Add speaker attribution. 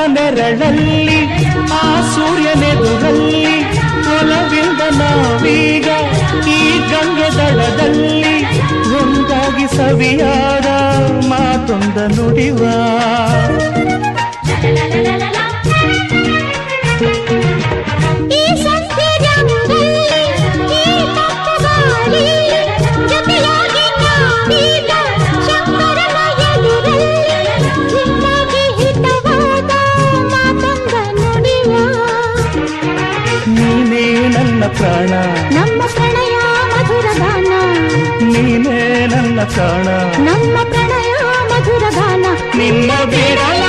Speaker 1: ನೆರಳಲ್ಲಿ ಆ ಸೂರ್ಯನೆದುರಲ್ಲಿ ಒಲವಿಂದ ನಾವೀಗ ಈ ಗಂಗೆ ದಡದಲ್ಲಿ ಒಂದಾಗಿ ಸವಿಯಾದ ಮಾತೊಂದ ನುಡಿವ ನೀನೇ ನನ್ನ ಪ್ರಾಣ
Speaker 2: ನಮ್ಮ ಪ್ರಣಯ ಮಧುರ ಗಾನ
Speaker 1: ನೀನೇ ನನ್ನ ಪ್ರಾಣ
Speaker 2: ನಮ್ಮ ಪ್ರಣಯ ಮಧುರ ಗಾನ
Speaker 1: ನಿನ್ನ ಬೇಡ